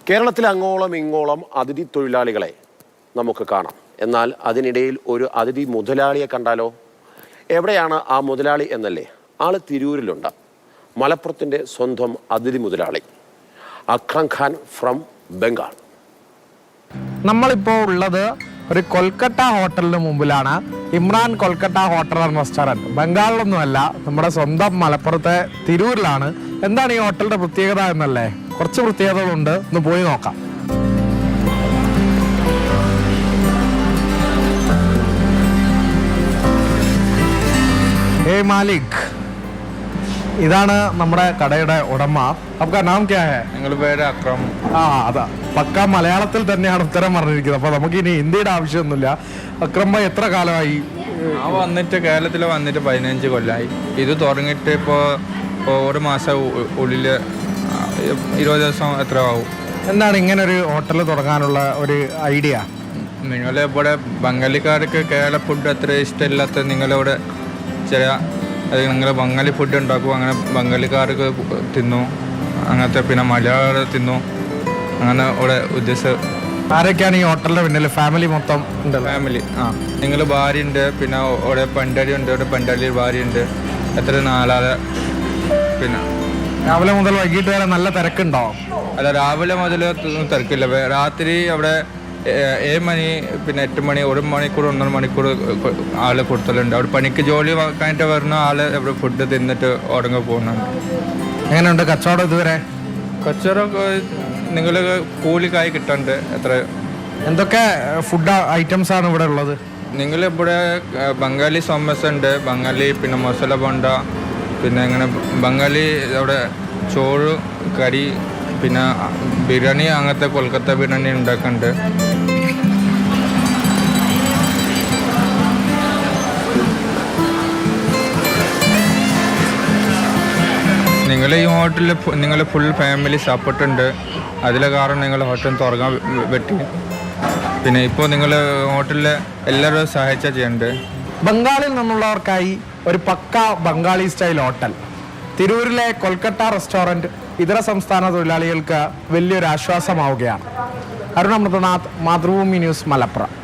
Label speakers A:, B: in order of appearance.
A: കേരളത്തിൽ അങ്ങോളം ഇങ്ങോളം അതിഥി തൊഴിലാളികളെ നമുക്ക് കാണാം. എന്നാൽ അതിനിടയിൽ ഒരു അതിഥി മുതലാളിയെ കണ്ടാലോ? എവിടെയാണ് ആ മുതലാളി എന്നല്ലേ? ആള് തിരൂരിലുണ്ട്. മലപ്പുറത്തിൻ്റെ സ്വന്തം അതിഥി മുതലാളി അക്രം ഖാൻ ഫ്രം ബംഗാൾ.
B: നമ്മളിപ്പോൾ ഉള്ളത് ഒരു കൊൽക്കത്ത ഹോട്ടലിന് മുമ്പിലാണ്. Imran Kolkata hotel and restaurant. ബംഗാളിലൊന്നുമല്ല, നമ്മുടെ സ്വന്തം മലപ്പുറത്തെ തിരൂരിലാണ്. എന്താണ് ഈ ഹോട്ടലിൻ്റെ പ്രത്യേകത എന്നല്ലേ? കുറച്ച് പ്രത്യേകതകളുണ്ട്, ഒന്ന് പോയി നോക്കാം. മാലിക്, ഇതാണ് നമ്മുടെ കടയുടെ ഉടമ. आपका नाम क्या है?
C: ഞങ്ങളുടെ പേര് അക്രം.
B: അതാ പക്ക മലയാളത്തിൽ തന്നെയാണ് ഉത്തരം പറഞ്ഞിരിക്കുന്നത്. അപ്പൊ നമുക്ക് ഇനി ഹിന്ദിയുടെ ആവശ്യമൊന്നുമില്ല. അക്രം ഭായ് എത്ര കാലമായി
C: വന്നിട്ട്? കേരളത്തിൽ വന്നിട്ട് 15 കൊല്ലമായി. ഇത് തുടങ്ങിയിട്ട് ഇപ്പോൾ ഒരു മാസം ഉള്ളിൽ 20 ദിവസം എത്ര ആവും.
B: എന്താണ് ഇങ്ങനെ ഒരു ഹോട്ടൽ തുടങ്ങാനുള്ള ഒരു ഐഡിയ?
C: നിങ്ങളിവിടെ ബംഗാളിക്കാർക്ക് കേരള ഫുഡ് അത്ര ഇഷ്ടമില്ലാത്ത നിങ്ങളിവിടെ ചില നിങ്ങൾ ബംഗാളി ഫുഡ് ഉണ്ടാക്കും, അങ്ങനെ ബംഗാളിക്കാർക്ക് തിന്നു, അങ്ങനത്തെ പിന്നെ മലയാളികൾ തിന്നു, അങ്ങനെ ഇവിടെ ഉദ്ദേശിച്ച.
B: ആരൊക്കെയാണ് ഈ ഹോട്ടലിൻ്റെ പിന്നിൽ? ഫാമിലി മൊത്തം ഉണ്ട്?
C: ഫാമിലി. നിങ്ങൾ ഭാര്യ ഉണ്ട്, പിന്നെ ഇവിടെ പണ്ടാളി ഉണ്ട്, ഇവിടെ പണ്ടാളിയിൽ ഭാര്യ ഉണ്ട്, എത്ര 4 ആള്. പിന്നെ
B: രാവിലെ മുതൽ വൈകിട്ട് വരെ നല്ല തിരക്കുണ്ടാവും?
C: അല്ല, രാവിലെ മുതൽ തിരക്കില്ല. രാത്രി അവിടെ 7 മണി, പിന്നെ 8 മണി, 1 മണിക്കൂർ 1.5 മണിക്കൂർ ആള് കൊടുത്തലുണ്ട്. അവിടെ പണിക്ക് ജോലി കഴിഞ്ഞിട്ട് വരുന്ന ആള് ഇവിടെ ഫുഡ് തിന്നിട്ട് ഉടങ്ങി പോകുന്നുണ്ട്.
B: എങ്ങനെയുണ്ട് കച്ചവടം ഇതുവരെ?
C: കച്ചവടം നിങ്ങൾ കൂലിക്കായി കിട്ടുന്നുണ്ട്. എത്ര
B: എന്തൊക്കെ ഫുഡ് ഐറ്റംസ് ആണ് ഇവിടെ ഉള്ളത്?
C: നിങ്ങളിവിടെ ബംഗാളി സമോസ ഉണ്ട്, ബംഗാളി പിന്നെ മസാല ബോണ്ട, പിന്നെ ഇങ്ങനെ ബംഗാളി അവിടെ ചോറ് കറി, പിന്നെ ബിരിയാണി, അങ്ങനത്തെ കൊൽക്കത്ത ബിരിയാണി ഉണ്ടാക്കുന്നുണ്ട്. നിങ്ങൾ ഈ ഹോട്ടലിൽ നിങ്ങൾ ഫുൾ ഫാമിലി സപ്പോർട്ട് ഉണ്ട്. അതിലെ കാരണം നിങ്ങൾ ഹോട്ടൽ തുറക്കാൻ പറ്റി. പിന്നെ ഇപ്പോൾ നിങ്ങൾ ഹോട്ടലിൽ എല്ലാവരും സഹായിച്ചാൽ ചെയ്യുന്നുണ്ട്.
B: ബംഗാളിൽ നിന്നുള്ളവർക്കായി ഒരു പക്ക ബംഗാളി സ്റ്റൈൽ ഹോട്ടൽ. തിരൂരിലെ കൊൽക്കത്ത റെസ്റ്റോറൻറ്റ് ഇതര സംസ്ഥാന തൊഴിലാളികൾക്ക് വലിയൊരു ആശ്വാസമാവുകയാണ്. അരുൺ അമൃതനാഥ്, മാതൃഭൂമി ന്യൂസ്, മലപ്പുറം.